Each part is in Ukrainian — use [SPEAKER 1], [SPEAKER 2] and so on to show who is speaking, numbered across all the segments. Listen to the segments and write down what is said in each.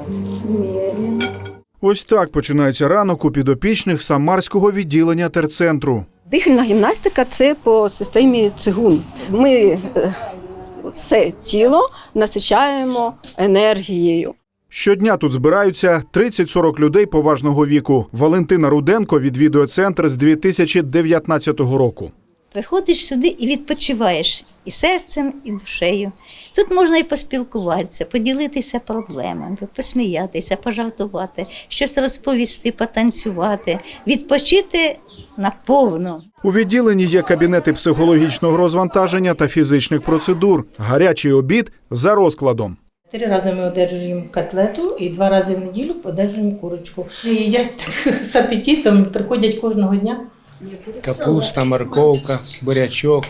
[SPEAKER 1] Міряємо.
[SPEAKER 2] Ось так починається ранок у підопічних Самарського відділення терцентру.
[SPEAKER 1] Дихальна гімнастика – це по системі цигун. Ми все тіло насичаємо енергією.
[SPEAKER 2] Щодня тут збираються 30-40 людей поважного віку. Валентина Руденко відвідує центр з 2019 року.
[SPEAKER 3] Приходиш сюди і відпочиваєш і серцем, і душею. Тут можна і поспілкуватися, поділитися проблемами, посміятися, пожартувати, щось розповісти, потанцювати, відпочити наповну.
[SPEAKER 2] У відділенні є кабінети психологічного розвантаження та фізичних процедур. Гарячий обід за розкладом.
[SPEAKER 4] 3 рази ми одержуємо котлету і 2 рази в неділю одержуємо курочку. І їдять так з апетитом, приходять кожного дня.
[SPEAKER 5] Капуста, морковка, бурячок,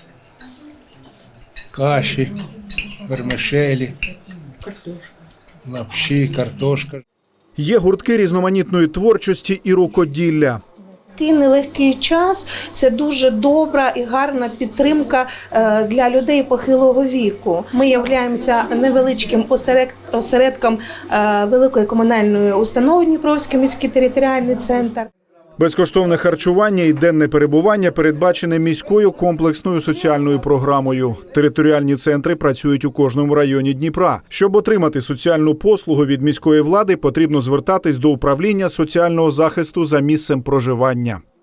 [SPEAKER 5] каші, вермишелі, лапші, картошка.
[SPEAKER 2] Є гуртки різноманітної творчості і рукоділля.
[SPEAKER 6] Такий нелегкий час – це дуже добра і гарна підтримка для людей похилого віку. Ми являємося невеличким осередком великої комунальної установи Дніпровський міський територіальний центр.
[SPEAKER 2] Безкоштовне харчування і денне перебування передбачене міською комплексною соціальною програмою. Територіальні центри працюють у кожному районі Дніпра. Щоб отримати соціальну послугу від міської влади, потрібно звертатись до управління соціального захисту за місцем проживання.